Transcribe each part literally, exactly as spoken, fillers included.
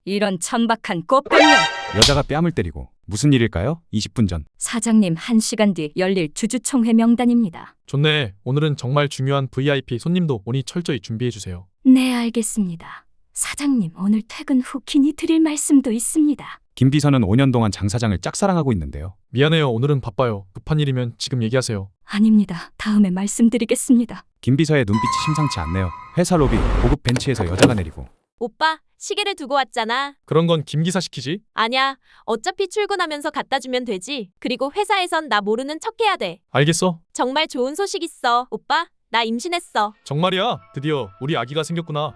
이런 천박한 꽃뱀년. 여자가 뺨을 때리고 무슨 일일까요? 이십 분 전. 사장님, 한 시간 뒤 열릴 주주총회 명단입니다. 좋네. 오늘은 정말 중요한 브이아이피 손님도 오니 철저히 준비해주세요. 네, 알겠습니다. 사장님, 오늘 퇴근 후 긴히 드릴 말씀도 있습니다. 김 비서는 오 년 동안 장 사장을 짝사랑하고 있는데요. 미안해요. 오늘은 바빠요. 급한 일이면 지금 얘기하세요. 아닙니다. 다음에 말씀드리겠습니다. 김 비서의 눈빛이 심상치 않네요. 회사 로비 고급 벤치에서 여자가 내리고. 오빠, 시계를 두고 왔잖아. 그런 건 김 기사 시키지? 아냐, 어차피 출근하면서 갖다 주면 되지. 그리고 회사에선 나 모르는 척 해야 돼. 알겠어. 정말 좋은 소식 있어. 오빠, 나 임신했어. 정말이야. 드디어 우리 아기가 생겼구나.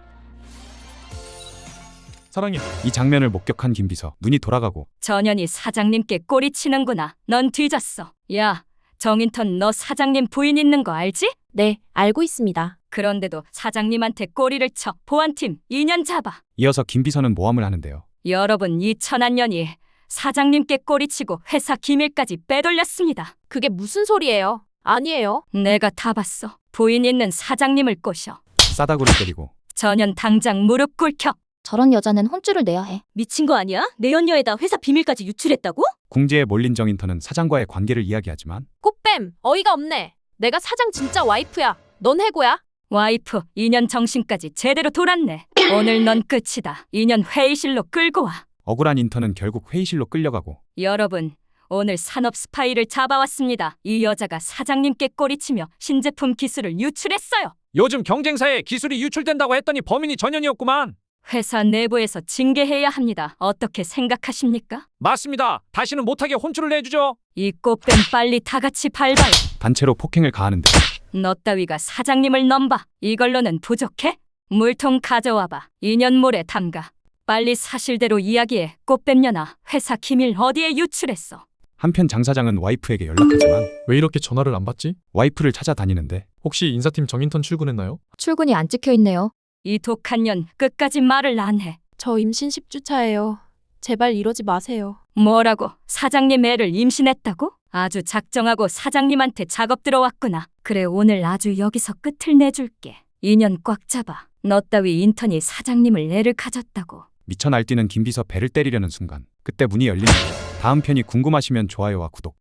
사랑해. 이 장면을 목격한 김 비서 눈이 돌아가고. 전현이 사장님께 꼬리치는구나. 넌 뒤졌어. 야, 정인턴, 너 사장님 부인 있는 거 알지? 네, 알고 있습니다. 그런데도 사장님한테 꼬리를 쳐. 보안팀 이 년 잡아. 이어서 김 비서는 모함을 하는데요. 여러분, 이 천한 년이 사장님께 꼬리치고 회사 기밀까지 빼돌렸습니다. 그게 무슨 소리예요? 아니에요. 내가 다 봤어. 부인 있는 사장님을 꼬셔. 싸다구를 때리고. 전현, 당장 무릎 꿇혀. 저런 여자는 혼쭐을 내야 해. 미친 거 아니야? 내 연녀에다 회사 비밀까지 유출했다고? 궁지에 몰린 정인턴은 사장과의 관계를 이야기하지만 꽃뱀, 어이가 없네. 내가 사장 진짜 와이프야. 넌 해고야. 와이프, 이 년 정신까지 제대로 돌았네. 오늘 넌 끝이다. 이 년 회의실로 끌고 와. 억울한 인턴은 결국 회의실로 끌려가고. 여러분, 오늘 산업 스파이를 잡아왔습니다. 이 여자가 사장님께 꼬리치며 신제품 기술을 유출했어요. 요즘 경쟁사에 기술이 유출된다고 했더니 범인이 전현이었구만. 회사 내부에서 징계해야 합니다. 어떻게 생각하십니까? 맞습니다. 다시는 못하게 혼쭐을 내주죠. 이 꽃뱀 빨리 다 같이 밟아요. 단체로 폭행을 가하는데. 너 따위가 사장님을 넘봐. 이걸로는 부족해? 물통 가져와봐. 이 년 모래 담가. 빨리 사실대로 이야기해. 꽃뱀년아, 회사 기밀 어디에 유출했어? 한편 장 사장은 와이프에게 연락하지만 왜 이렇게 전화를 안 받지? 와이프를 찾아다니는데. 혹시 인사팀 정인턴 출근했나요? 출근이 안 찍혀 있네요. 이 독한 년 끝까지 말을 안 해. 저 임신 십 주 차예요. 제발 이러지 마세요. 뭐라고? 사장님 애를 임신했다고? 아주 작정하고 사장님한테 작업 들어왔구나. 그래, 오늘 아주 여기서 끝을 내줄게. 이 년 꽉 잡아. 너 따위 인턴이 사장님을 애를 가졌다고. 미쳐 날뛰는 김 비서 배를 때리려는 순간 그때 문이 열리는데. 다음 편이 궁금하시면 좋아요와 구독.